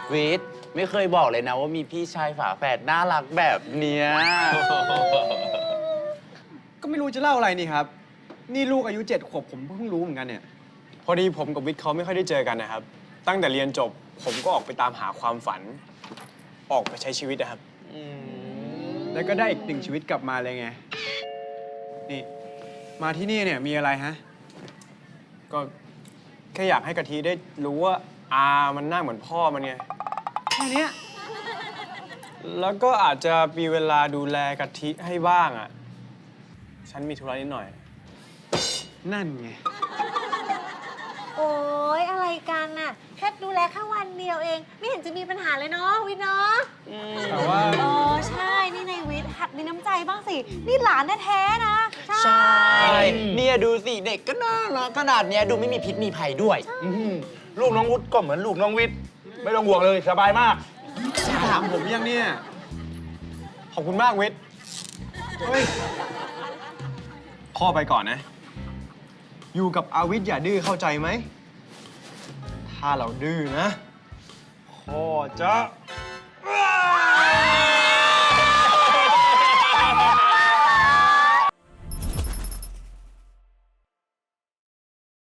วิทย์ไม่เคยบอกเลยนะว่ามีพี่ชายฝาแฝดน่ารักแบบเนี้ยก็ไม่รู้จะเล่าอะไรนี่ครับ นี่ลูกอายุ7 ขวบผมเพิ่งรู้เหมือนกันเนี่ยพอดีผมกับวิทย์เขาไม่ค่อยได้เจอกันนะครับ ตั้งแต่เรียนจบผมก็ออกไปตามหาความฝัน ออกไปใช้ชีวิตนะครับแล้วก็ได้อีก1 ชีวิตกลับมาเลยไง นี่ มาที่นี่เนี่ยมีอะไรฮะก็แค่อยากให้กะทิได้รู้ว่ามันหน้าเหมือนพ่อมันไงแค่เนี้ยแล้วก็อาจจะมีเวลาดูแลกะทิให้บ้างอ่ะ ฉันมีธุระนิดหน่อยนั่นไงโอ๊ย อะไรกันน่ะ แค่ดูแลแค่วันเดียวเอง ไม่เห็นจะมีปัญหาเลยเนาะวิทย์เนาะแต่ว่าอ๋อใช่ นี่ในวิทย์หัดมีน้ำใจบ้างสิ นี่หลานแท้ๆนะใช่ เนี่ยดูสิเด็กก็น่ารักขนาดเนี้ยดูไม่มีพิษมีภัยด้วยลูกน้องวุฒิก็เหมือนลูกน้องวิทย์ไม่ต้องห่วงเลยสบายมากถามผมยังเนี่ยขอบคุณมากวิทย์เฮ้ยพ่อไปก่อนนะ อยู่กับอาวิทย์อย่าดื้อเข้าใจไหม ถ้าเราดื้อนะ พ่อจะ